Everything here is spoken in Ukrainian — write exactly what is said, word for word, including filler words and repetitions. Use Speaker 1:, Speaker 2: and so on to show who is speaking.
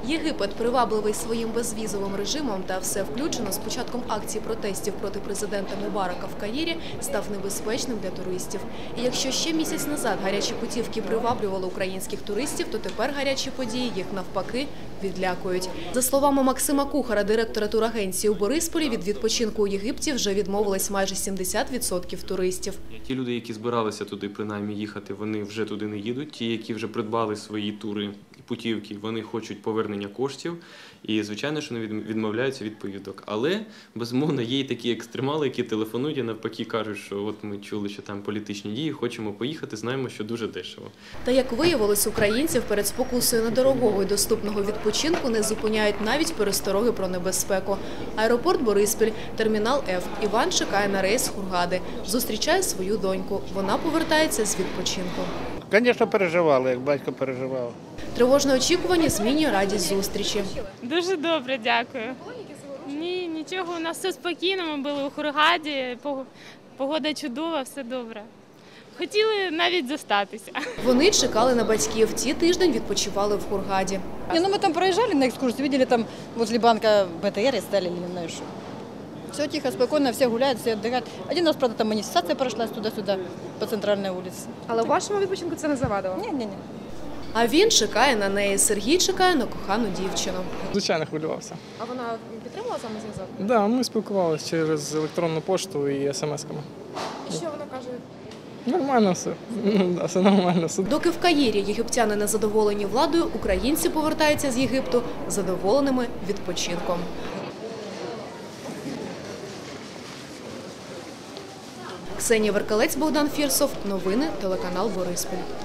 Speaker 1: Єгипет, привабливий своїм безвізовим режимом та все включено з початком акцій протестів проти президента Мубарака в Каїрі, став небезпечним для туристів. І якщо ще місяць назад гарячі путівки приваблювали українських туристів, то тепер гарячі події їх навпаки відлякують. За словами Максима Кухара, директора турагенції у Борисполі, від відпочинку у Єгипті вже відмовились майже сімдесят відсотків туристів.
Speaker 2: Ті люди, які збиралися туди принаймні їхати, вони вже туди не їдуть. Ті, які вже придбали свої тури і путівки, вони хочуть повернення коштів. І, звичайно, що вони відмовляються від поїздок. Але, безумовно, є і такі екстремали, які телефонують і навпаки кажуть, що от ми чули, що там політичні дії, хочемо поїхати, знаємо, що дуже дешево.
Speaker 1: Та, як виявилось, українців перед спокусою недорогого і доступного відпочинку не зупиняють навіть перестороги про небезпеку. Аеропорт Бориспіль, термінал Ф. Іван чекає на рейс з Хургади. Зустрічає свою доньку. Вона повертається з відпочинку.
Speaker 3: Звісно, переживали, як батько переживав.
Speaker 1: Тривожне очікування змінює радість зустрічі.
Speaker 4: Дуже добре, дякую. Ні, нічого, у нас все спокійно, ми були у Хургаді, погода чудова, все добре. Хотіли навіть зостатися.
Speaker 1: Вони чекали на батьків. Ті тиждень відпочивали в Хургаді.
Speaker 5: Не, ну мы там проезжали на экскурсию, видели там возле банка БТР стали, не знаю что. Все тихо, спокойно, все гуляют, все отдыхают. Один раз, правда, там манифестация прошлась туда-сюда, по центральной улице.
Speaker 6: Але вашому відпочинку це не завадило?
Speaker 5: Ні-ні-ні.
Speaker 1: А він чекає на неї. Сергій чекає на кохану дівчину.
Speaker 7: Звичайно, хвилювався.
Speaker 6: А вона підтримала саме зв'язок?
Speaker 7: Так, да, ми спілкувалися через електронну пошту і смс-ками.
Speaker 6: І що вона каже?
Speaker 7: Нормально все. Да, все нормально. Все.
Speaker 1: Доки в Каїрі єгиптяни не задоволені владою, українці повертаються з Єгипту задоволеними відпочинком. Ксенія Веркалець, Богдан Фірсов. Новини, телеканал Бориспіль.